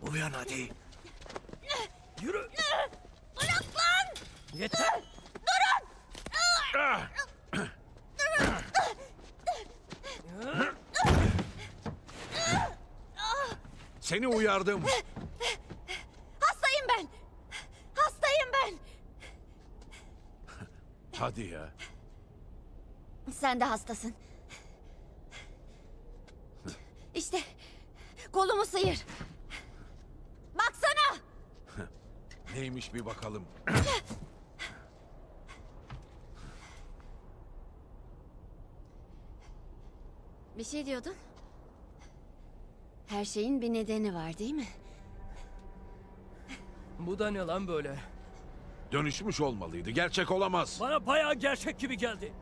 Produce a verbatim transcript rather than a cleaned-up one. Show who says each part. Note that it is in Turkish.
Speaker 1: Uyan hadi.
Speaker 2: Yürü.
Speaker 3: Bırak lan!
Speaker 2: Yeter.
Speaker 1: Seni uyardım.
Speaker 3: Hastayım ben! Hastayım ben!
Speaker 1: Hadi ya.
Speaker 3: Sen de hastasın. İşte kolumu sıyır. Baksana!
Speaker 1: Neymiş bir bakalım.
Speaker 3: Bir şey diyordun. Her şeyin bir nedeni var değil mi?
Speaker 2: Bu da ne lan böyle?
Speaker 1: Dönüşmüş olmalıydı. Gerçek olamaz.
Speaker 2: Bana bayağı gerçek gibi geldi.